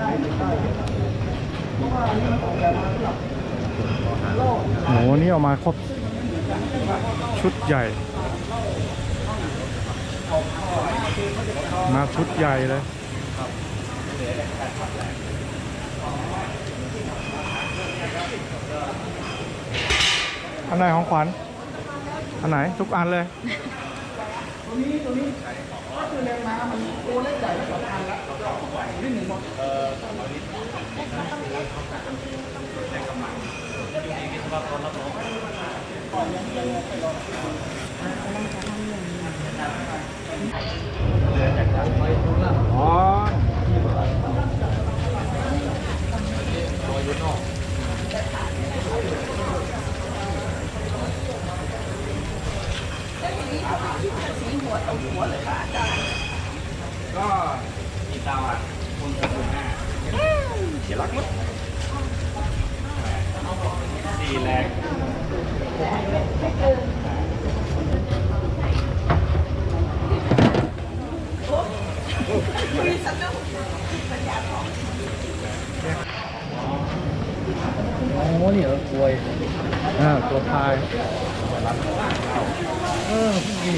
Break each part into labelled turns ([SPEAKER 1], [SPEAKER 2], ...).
[SPEAKER 1] โหนี่ออกมาครบชุดใหญ่มาชุดใหญ่เลยอันไหนของขวัญอันไหนทุกอันเลยตัวนี้ก็คือแรงม้ามันตัวเล็กใหญ่สองอันละนี่หนึ่งหมดอ๋อก็มีเตาอ่ะคุณเดี๋ยวรักมั้งดีแรงโอ้นี่เหรอกล้วยตัวพายนี่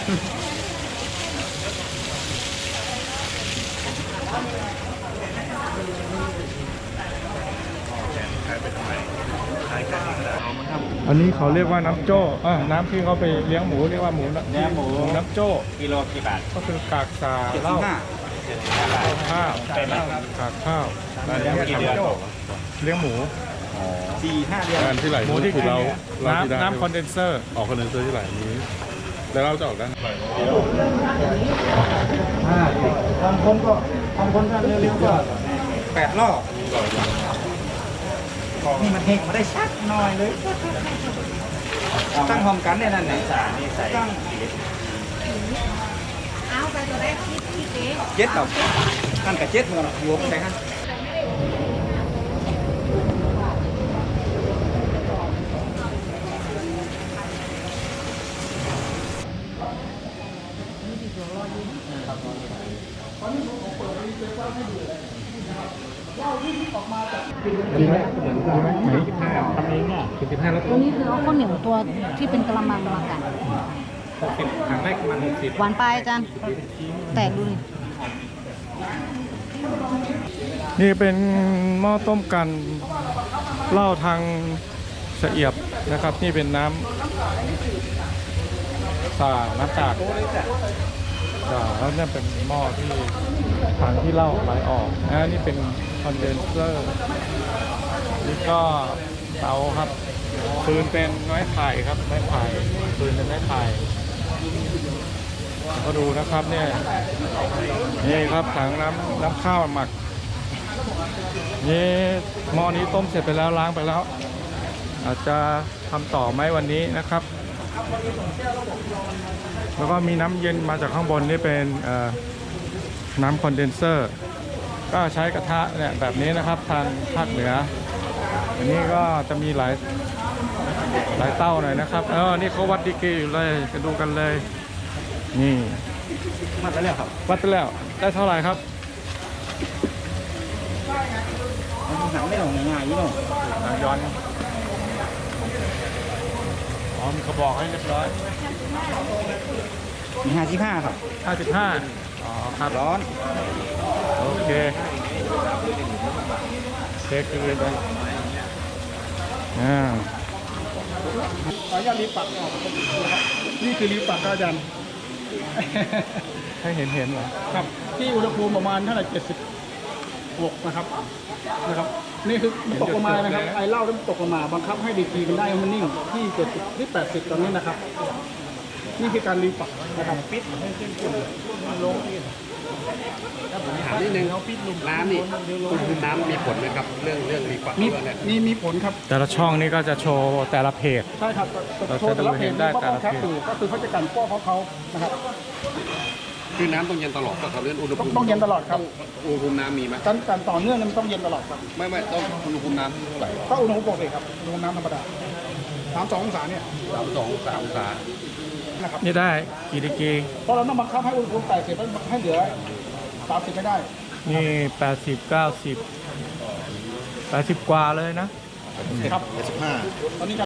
[SPEAKER 1] อันนี้เขาเรียกว่าน้ำโจ้น้ำที่เขาไปเลี้ยงหมูเรียกว่าหมูน้ำโจ้
[SPEAKER 2] กิโลกี่บาท
[SPEAKER 1] ก็คือกากสาเหล้าข้าวกากข้าวเลี้ยงกี่เดือนเลี้ยงหมู
[SPEAKER 2] 4-5 เดือน
[SPEAKER 3] ที่ไหลหมูที่เรา
[SPEAKER 1] น้ำคอนเดนเซอร์
[SPEAKER 3] ออกคอนเดนเซอร์ที่ไหลนี้แล้วเราจะออกได้
[SPEAKER 1] บางคนก็เร็วๆก็
[SPEAKER 2] 8 รอบนี่มันเฮงมาได้ชักหน่อยเลยตั้งพร้อมกันเนี่ยนั่นไหนตั้ง
[SPEAKER 4] เอาไปตัวแรกที่
[SPEAKER 2] เจ็ดต่อตั้งกับเจ็ดมันหัวมันใช่ไหม
[SPEAKER 1] ดีไหมไหนทำเองอ่ะ15แล้ว
[SPEAKER 4] ตัวนี้คือเอาข้าวเหนียวตัวที่เป็นกระมังมากัน
[SPEAKER 1] 60ครั้งแรกมัน60
[SPEAKER 4] หวานไปอาจารย์แตกดูนี่
[SPEAKER 1] นี่เป็นหม้อต้มกันเหล้าทางเสียบนะครับนี่เป็นน้ำน้ำจากแล้วนี่เป็นหม้อที่ถังที่เหล้าไหลออกนี่เป็นคอนเดนเซอร์นี่ก็เตาครับฟืนเป็นไม้ไผ่ครับไม้ไผ่ฟืนเป็นไม้ไผ่ก็ดูนะครับเนี่ยนี่ครับถังน้ำข้าวหมักนี่หม้อนี้ต้มเสร็จไปแล้วล้างไปแล้วอาจจะทำต่อไหมวันนี้นะครับแล้วก็มีน้ำเย็นมาจากข้างบนนี่เป็นน้ำคอนเดนเซอร์ก็ใช้กระทะเนี่ยแบบนี้นะครับทางภาคเหนืออันนี้ก็จะมีหลายเต้าหน่อยนะครับนี่เขาวัดดีกรีอยู่เลยจะดูกันเลยนี่
[SPEAKER 2] วัดไปแล้วครับ
[SPEAKER 1] วัดไปแล้วได้เท่าไหร่ครับ
[SPEAKER 2] หนังไม่หลงง่ายๆยี่หน่อย
[SPEAKER 1] ย้อนมีกระบอกให้เรียบร้อย
[SPEAKER 2] มี55ครับ
[SPEAKER 1] 55ครับ
[SPEAKER 2] ร้อน
[SPEAKER 1] โอเคเช็คเลยไป
[SPEAKER 5] ขออนุญาตรีบปักออกนี่คือรีบปักอาจารย์
[SPEAKER 1] ให้เห็นเหรอ
[SPEAKER 5] ครับที่อุณหภูมิประมาณเท่าไหร่76นะครับนี่คือตกลงมานะครับไอเหล้าที่ตกลงมาบังคับให้ดีกรีมันได้มันนิ่งที่70ที่80ตอนนี้นะครับนี่คือการรีบปักนะครับปิดให้ขึ้นลง
[SPEAKER 2] ถามนิดนึงน้ำนี่น้ำมีผลไหมครับเรื่องรีฟัก
[SPEAKER 5] มีผลครับ
[SPEAKER 1] แต่ละช่องนี่ก็จะโชว์แต่ละเพจ
[SPEAKER 5] ใช่ครับโชว์แต่ละเพจได้แต่ละเพจก็คือเขาจะกันป้อเขานะครับ
[SPEAKER 2] คือน้ำต้องเย็นตลอดก็เขาเรื่องอุณหภูมิ
[SPEAKER 5] ต้องเย็นตลอดครับ
[SPEAKER 2] อุณหภูมิน้ำมีไหม
[SPEAKER 5] การต่อเนื่องมันต้องเย็นตลอดครับ
[SPEAKER 2] ไม่ต้องอุณหภูมิน้ำเท่าไหร่
[SPEAKER 5] ก็อุณหภูมิปกติครับอุณหภูมิน้ำธรรมดา32 องศาเนี่ย
[SPEAKER 2] 32 องศา
[SPEAKER 5] นะครับ
[SPEAKER 1] นี่ได้กี่ดีกรี
[SPEAKER 5] เพราะเราต้องบังคับให้อุณหภูมิ80ให้เหลือ30ไม่ได้
[SPEAKER 1] นี่80 90 80 กว่าเลยนะ
[SPEAKER 5] ครับ
[SPEAKER 6] 75
[SPEAKER 5] ตอนนี้จะ